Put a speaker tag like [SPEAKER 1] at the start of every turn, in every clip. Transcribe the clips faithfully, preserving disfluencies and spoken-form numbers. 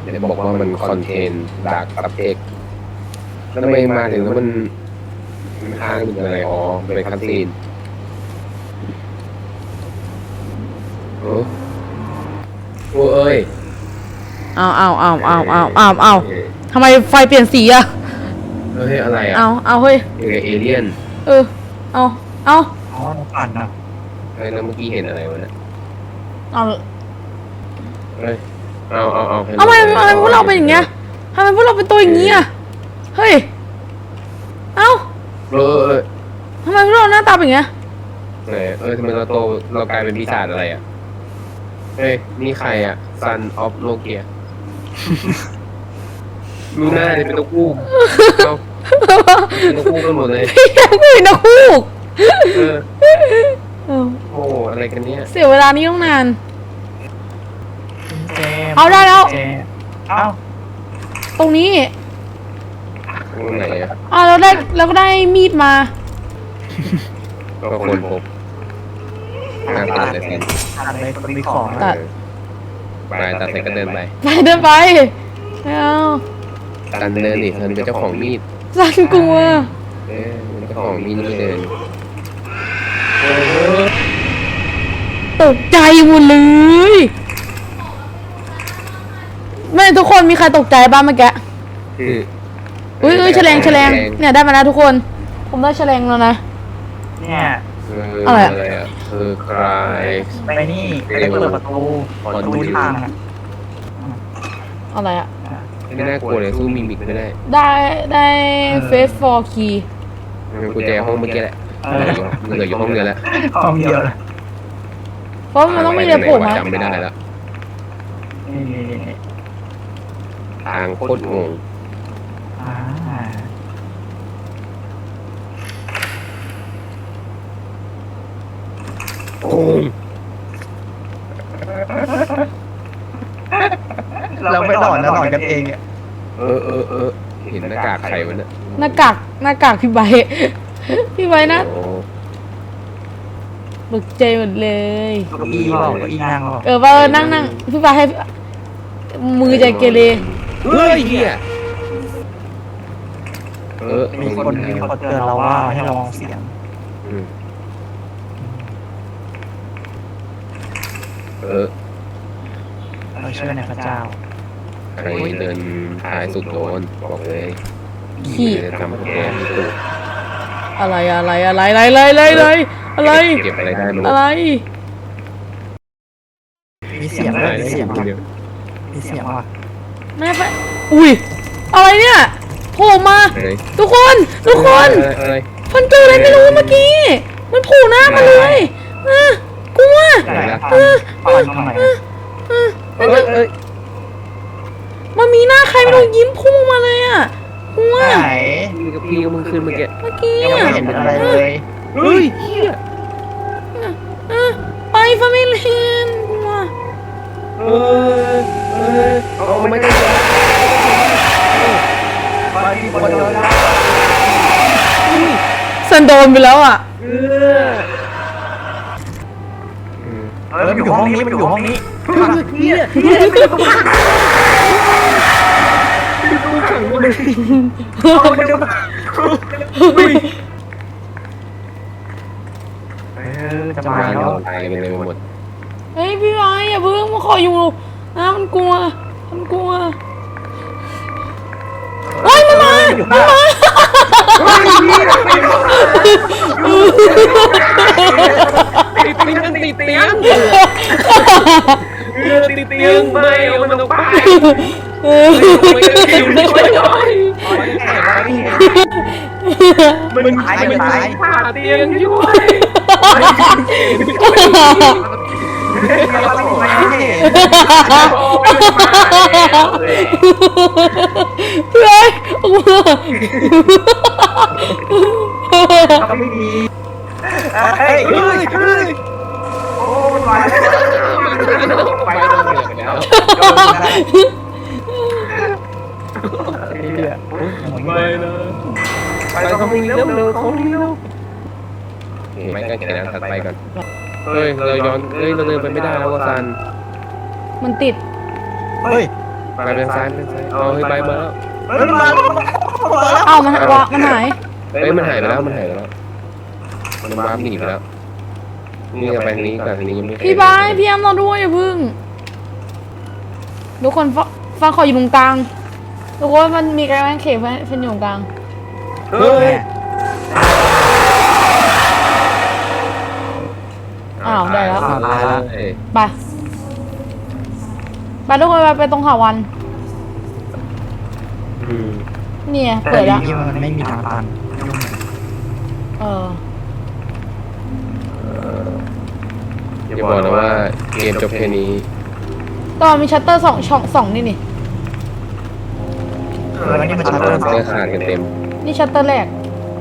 [SPEAKER 1] เดี๋ยวบอกว่ามันคอนเทนดาร์กซับเทคแล้วทำไมมาถึงแล้วมันมันค้างอยู่อะไรอ๋อเป็นคัตซีนโอ้โอ้เอ้ย
[SPEAKER 2] เอาเอาเอาเอาเอาเอาเอาทำไมไฟเปลี่ยนสีอะ
[SPEAKER 1] เฮ้ยอะไรอ่ะ
[SPEAKER 2] เอาเอาเฮ้ย
[SPEAKER 1] เอเลี่ยน
[SPEAKER 2] เออเอาเอา
[SPEAKER 3] อ๋อปั่นนะ
[SPEAKER 1] เฮ้ยแล้วเมื่อกี้เห็นอะไรวะเนี่ย
[SPEAKER 2] เอา
[SPEAKER 1] เฮ้ยเอาเอาเอา
[SPEAKER 2] ทำไมทำไมพวกเราเป็นอย่างเงี้ยทำไมพวกเราเป็นตัวอย่างงี้อะเฮ้ยเอา
[SPEAKER 1] เออ
[SPEAKER 2] ทำไมพวกเราหน้าตาเป็นอย่างเงี้ย
[SPEAKER 1] เออเออทำไมเราโตเรากลายเป็นปีศาจอะไรอ่ะเฮ้ยนี่ใครอ่ะ Son of Nokia ดูหน้าเลยเป็นนกฮูกเอาเป็นนกฮูกกันหมดเลย
[SPEAKER 2] พี่ยังไม่เป็นนกฮูก
[SPEAKER 1] เออโอ้อะไรกันเนี่ย
[SPEAKER 2] เสียเวลานี้ต้องนานเอาได้แล้ว
[SPEAKER 3] เอา
[SPEAKER 2] ตรงนี้
[SPEAKER 1] ตรงไหนอ่ะ
[SPEAKER 2] อ่าเราได้เราก็ได้มีดมา
[SPEAKER 1] ก็คนพบทางตัดเลยสิ
[SPEAKER 3] ตัดเลยคนมีของ
[SPEAKER 2] ตัด
[SPEAKER 1] ไปตัดเสร็จก็เดินไป
[SPEAKER 2] ไปเดินไปเอา
[SPEAKER 1] ตันเดินดิเธอเป็นเจ้าของมีด
[SPEAKER 2] สันกลัว
[SPEAKER 1] เออเป็นเจ้าของมีดนี่เดิน
[SPEAKER 2] ตกใจหมดเลยแม่ทุกคนมีใครตกใจบ้างเมื่อกี้
[SPEAKER 1] คือ
[SPEAKER 2] อุ้ยอุ้ยแฉลงแฉลงเนี่ยได้มาแล้วทุกคนผมได้แฉลงแล้วนะ
[SPEAKER 3] เนี่ย
[SPEAKER 2] อะไร
[SPEAKER 1] อ่ะคือใคร
[SPEAKER 3] ไปนี่ไปเปิดประตูประตูทาง
[SPEAKER 2] อะไรอ่ะ
[SPEAKER 1] ไม่น่ากลัวเลยสู้มิมิกไม่ได้
[SPEAKER 2] ได้ได้เฟสฟอร์คีย์
[SPEAKER 1] กุญแจห้องเมื่อกี้แหละเหลืออยู่ห้องเดียวแล้ว
[SPEAKER 3] ห้องเดียวเลย
[SPEAKER 2] เพราะมันต้องมีอะไรโผล่มา
[SPEAKER 1] จำไม่ได้แล้วทางโคตรงงโอ้
[SPEAKER 3] เราไม่หลอนนะหลอนกันเองอ่ะ
[SPEAKER 1] เออเออเออเห็นหน้ากากใครวะเนี่ย
[SPEAKER 2] หน้ากากหน้ากากพี่ใบพี่ใบนะตกใจหมดเลย
[SPEAKER 3] เก้าอี้บอกเก้าอี้นั่ง
[SPEAKER 2] เออว่านั่งนั่งพี่ใบให้มือใจเกเร
[SPEAKER 1] เฮ้ยเฮียเออ
[SPEAKER 3] มีคนมีคนเตือนเราว่าให้ระวังเสียง
[SPEAKER 1] เออ
[SPEAKER 3] เราเชื่อในพระเจ้า
[SPEAKER 1] ใครเดินท้ายสุดโดนบอกเลย
[SPEAKER 2] ขี้
[SPEAKER 1] ทำแกมีตุก
[SPEAKER 2] อะไรอะไรอะไรอะไรอะไรอะไรอะไร
[SPEAKER 1] เก็บอะไรได้มั้ง
[SPEAKER 2] อะไร
[SPEAKER 3] มีเสียงอะไรมีเสียงมีเสียงว่ะ
[SPEAKER 2] แม่ไปอุ้ยอะไรเนี่ยโผล่มาทุกคนทุกคนมันเจออะไรไม่รู้เมื่อกี้มันโผล่หน้ามาเลยกลัวมันมีหน้าใครไม่รู้ยิ้มพุ่งมาเลยอ่ะกลัว
[SPEAKER 3] ไหน
[SPEAKER 1] มีกับพี่ก็มึงขึ้นเมื่อกี้
[SPEAKER 2] เมื่อกี้
[SPEAKER 3] ยังไม่เห็นอะไรเลย
[SPEAKER 1] เฮ้ยเฮีย
[SPEAKER 2] ไปฟามิเลียนกลัว
[SPEAKER 1] เออเออเอาไม่ได้
[SPEAKER 2] สันโดนไปแล้วอ่ะ
[SPEAKER 3] เออเออมันอยู่ห้องนี้มันอยู่ห้องนี้เฮียเฮียไม่ต้องมาดูขังเลยเออจะมาแล้ว
[SPEAKER 1] ตายกันเลยหมด
[SPEAKER 2] เฮ้ยพี่ไม้อย่าเพิ่งมาขออยู่นะมันกลัวมันกลัวโอ้ยมันมามันมา
[SPEAKER 1] ติดเตียงติดเตียงติดเตียงไม่เอามันออกไปไม่ได้คิวไม่ช่วยหน่อยมันหายมันหายขาเตียงช่วย
[SPEAKER 2] เฮ้ยออกมา
[SPEAKER 3] ก็ไม่มีเฮ้ยเฮ้ยเฮ้ยโอ้ยไปแล้วไปแล้วไปเลยไปเขามีเร็วเร็วเขามีเร็ว
[SPEAKER 1] ไม่ก็เขียนถัดไปก่อนเฮ้ยเราย้อนเฮ้ยเราเดินไปไม่ได้แล้วซัน
[SPEAKER 2] มันติด
[SPEAKER 3] เฮ้ย
[SPEAKER 1] ไปเป็นซ้ายเป็นซ้ายเอาเฮ้ยไปมาแล้ว
[SPEAKER 3] เฮ้ยมาแล้วมาแล้ว
[SPEAKER 2] เอ้ามันวะมันหาย
[SPEAKER 1] เฮ้ยมันหายไปแล้วมันหายไปแล้วมันวาร์ปหนีไปแล้วนี่จะไปทางนี้ก่อนทางนี้ยังไม่
[SPEAKER 2] พี่บายพี่แอมเราด้วยอย่าพึ่งทุกคนฟังฟังขออยู่ตรงกลางทุกคนมันมีการแข่งเขตเพื่อนอยู่ตรงกลาง
[SPEAKER 1] เฮ้ย
[SPEAKER 2] อ้าวได้แล้ว
[SPEAKER 1] ตายแล้ว
[SPEAKER 2] ไปไปทุกคนไปไปตรงหาวัน
[SPEAKER 1] อืม
[SPEAKER 2] เนี่ย
[SPEAKER 3] แต่
[SPEAKER 2] เปิดแล้ว
[SPEAKER 3] นี่มันไม่มีทางตัน
[SPEAKER 2] เออ
[SPEAKER 1] อย่าบอกนะว่าเกมจบแค่นี้
[SPEAKER 2] ก็มีชัตเตอร์สองช่องสองนี่นี่
[SPEAKER 3] เออนี่มันชัตเตอร์สอง
[SPEAKER 1] เนื้อขาดกันเต็ม
[SPEAKER 2] นี่ชัตเตอร์แรก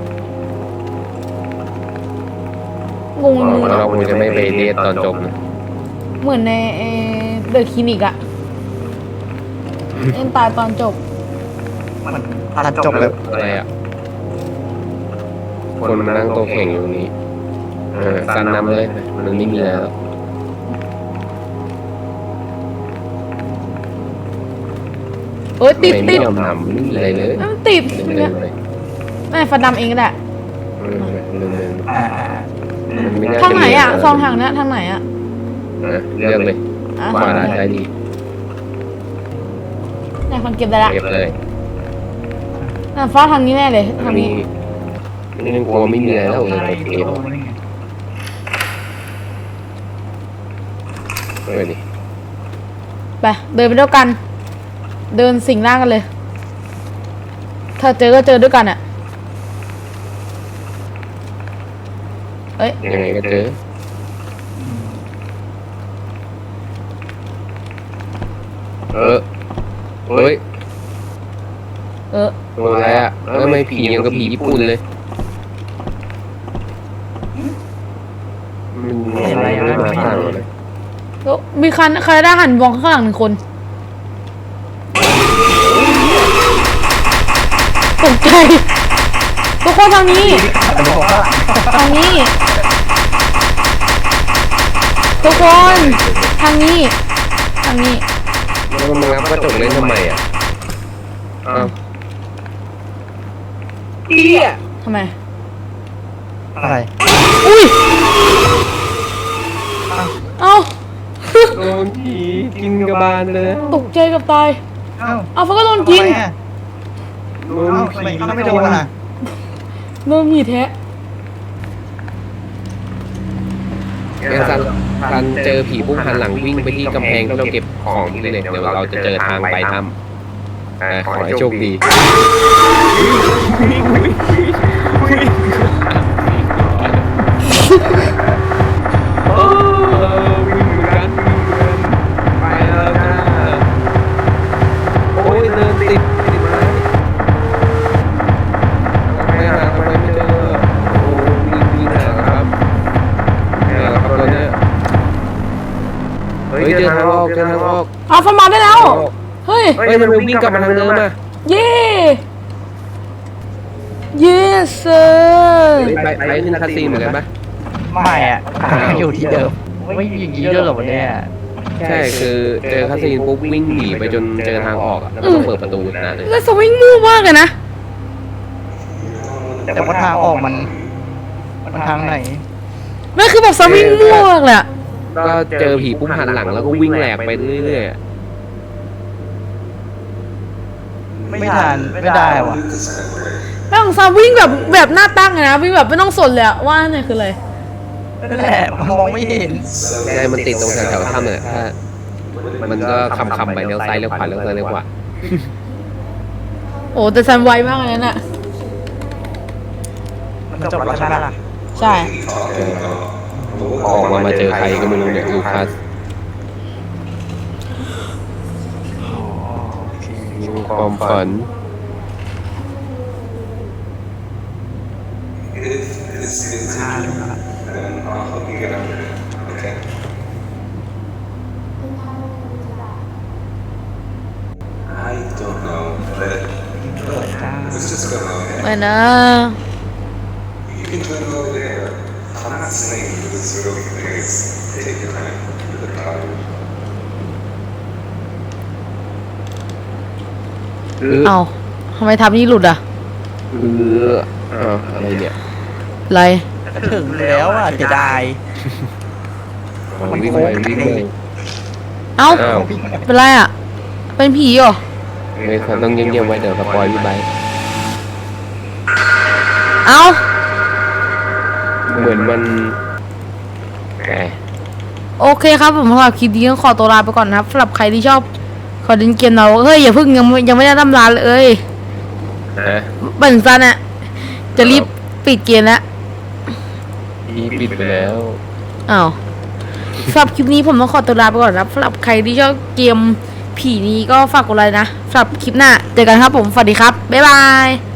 [SPEAKER 2] งงเลย
[SPEAKER 1] เราคงจะไม่ไปเรียนตอนจบนะ
[SPEAKER 2] เหมือนในเดอะคลินิกอะเอ็นตายตอนจบ
[SPEAKER 3] มันตัดจบแบบ
[SPEAKER 1] อะไรอ่ะคนมานั่งโต๊ะแข่งอยู่นี้เออซันนำเลยมันไม่มีแล้ว
[SPEAKER 2] เอ้ยติด
[SPEAKER 1] ไม่
[SPEAKER 2] ติด
[SPEAKER 1] ยอมทำไม่มีอะไรเลย
[SPEAKER 2] มันติด
[SPEAKER 1] เรื่องเลย
[SPEAKER 2] แม่ฟันดำเองก็ได้
[SPEAKER 1] เออเรื่องเลย
[SPEAKER 3] อ่า
[SPEAKER 1] มันไม่น่า
[SPEAKER 2] ทางไหนอะ
[SPEAKER 1] จมี
[SPEAKER 2] ซองทางเนี้ยทางไหนอะ
[SPEAKER 1] นะเลือกเลย
[SPEAKER 2] อ่ะ
[SPEAKER 1] ขวาซ้ายดี
[SPEAKER 2] เนี่ยคนเก็บได้ละ
[SPEAKER 1] เก็บเลย
[SPEAKER 2] น่ะฟ้าทางนี้แน่เลยทาง
[SPEAKER 1] มี
[SPEAKER 2] นี้
[SPEAKER 1] นี่กลัวไม่มีอะไรแล้วเลยเกมเออดิ
[SPEAKER 2] ไปเดินไปด้วยกัน เดินสิงร่างกันเลย ถ้าเจอก็เจอด้วยกันอะเอ้ย
[SPEAKER 1] ยังไงก็เจอเออเฮ้ย
[SPEAKER 2] เออ
[SPEAKER 1] ตัวอะไรอ่ะแล้วทำไมผียังกับผีญี่ปุ่นเลยมันอะไรไม่มาต่างเลย
[SPEAKER 2] แล้วมีคันใครได้หันมองข้างหลังหนึ่งคนตกใจทุกคนทางนี้ ทางนี้ ทุกคนทางนี้ ทางนี้
[SPEAKER 1] แล้วมันงับกระจกเล่นทำไมอ่ะอ้าวเอี้ย
[SPEAKER 2] ทำไม
[SPEAKER 3] อะไร
[SPEAKER 2] อุ้ย เอ้า
[SPEAKER 1] โดนผีกินกระบาลเลย
[SPEAKER 2] ตกใจกับตาย
[SPEAKER 3] เอ้า
[SPEAKER 2] เอาฟ้าก็โดนกิน
[SPEAKER 1] โด
[SPEAKER 3] เอ้าน ทำไม
[SPEAKER 1] ผี
[SPEAKER 3] เขาไม่โดนอ่ะ
[SPEAKER 2] โดนหมีแทะ
[SPEAKER 1] งั้นซันซันเจอผีพุ่งหันหลังวิ่งไปที่กำแพงที่เราเก็บของที่เลยเดี๋ยวเราจะเจอทางไปถ้ำอ่าขอให้โชคดีโอ้วิ่งเหมือนกันวิ่งเหมือนกันไปแล้วจ้าโอ้ยเดินติดติดไม้ไม่หาทำไมไม่เจอโอ้วิ่งวิ่งหาครับหาแล้วครับตอนนี้เฮ้ยเจอทางออกเจอทางออก
[SPEAKER 2] เอาฟ้ามาได้แล้ว เฮ้ย
[SPEAKER 1] เฮ้ยมันวิ่งกลับมาทางเดิมอ่ะ
[SPEAKER 2] เย้ เย้เซอร์
[SPEAKER 1] ไปไปขึ้นคาซีนเหมือนกันปะ
[SPEAKER 3] ไม่อ่ะอยู่ที่เดิมไม่มีอย่างนี้ด้วยเหรอวะเนี่ย
[SPEAKER 1] ใช่คือเจอคาซีนปุ๊บวิ่งหนีไปจนเจอทางออกอะแล้วก็ต้องเปิดประตูนะเลย
[SPEAKER 2] แล้วสวิงมู่มากเลยนะ
[SPEAKER 3] แต่ว่าทางออกมันมันทางไหน
[SPEAKER 2] ไม่คือแบบสวิงมู่มากเลยอะ
[SPEAKER 1] ก็เจอผีปุ๊บหันหลังแล้วก็วิ่งแหลกไปเรื่อยๆอะ
[SPEAKER 3] ไม่ทันไม่ได้วะ
[SPEAKER 2] แล้วของซาวิ่งแบบแบบหน้าตั้งเลยนะวิ่งแบบไม่ต้องสนเลยอะว่าเนี่ยคืออะไร
[SPEAKER 3] นั่นแหละมองไม่เห็น
[SPEAKER 1] ใช่มันติดตรงแถวๆถ้ำเนี่ยถ้ามันก็คำคำๆไปเลี้ยวซ้ายเลี้ยวขวาเลี้ยวซ้ายเลี้ยวขวา
[SPEAKER 2] โอ้แต่ซันไวมากเลยนั่นอะ
[SPEAKER 3] มันจบแล้วใช่ไหมล่ะ
[SPEAKER 2] ใช่
[SPEAKER 1] เออออกมามาเจอใครก็ไม่รู้เนี่ยลูคัสมีความฝัน
[SPEAKER 4] I don't know, but
[SPEAKER 3] เปิดจ้า
[SPEAKER 4] let's just go over
[SPEAKER 2] ไป
[SPEAKER 4] there.
[SPEAKER 2] นะ
[SPEAKER 4] You can turn it over there. I'm not saying that this really is. Take your time. Look at the
[SPEAKER 1] เออ
[SPEAKER 2] เอาทำไมทำนี่หลุดอ่ะ
[SPEAKER 1] เอออ้าวอะไรเนี่ย
[SPEAKER 2] อะไร
[SPEAKER 3] ถึงแล้วอ่ะจะได้
[SPEAKER 1] เอาวิ่งไปวิ่งไป
[SPEAKER 2] เอ้า
[SPEAKER 1] อ้าว
[SPEAKER 2] เป็นไรอ่ะ เป็นผีเหรอ
[SPEAKER 1] ไม่ต้องเงียบๆไว้เดี๋ยวสปอยพี่ไบค์
[SPEAKER 2] เอ้า
[SPEAKER 1] เหมือนมันแหม
[SPEAKER 2] โอเคครับผมสำหรับคลิปนี้ต้องขอตัวลาไปก่อนนะครับสำหรับใครที่ชอบขอเล่นเกมเราเฮ้ยอย่าเพิ่งยังไม่ยังไม่ได้ทำลานเลยเอ้ย
[SPEAKER 1] ฮะ
[SPEAKER 2] เบิ่งซันอะจะรีบปิดเกมแล้ว
[SPEAKER 1] พี่ปิดไปแล้ว
[SPEAKER 2] อ้าวสำหรับคลิปนี้ผมต้องขอตัวลาไปก่อนนะครับสำหรับใครที่ชอบเกมผีนี้ก็ฝากกดไลค์นะสำหรับคลิปหน้าเจอกันครับผมสวัสดีครับบ๊ายบาย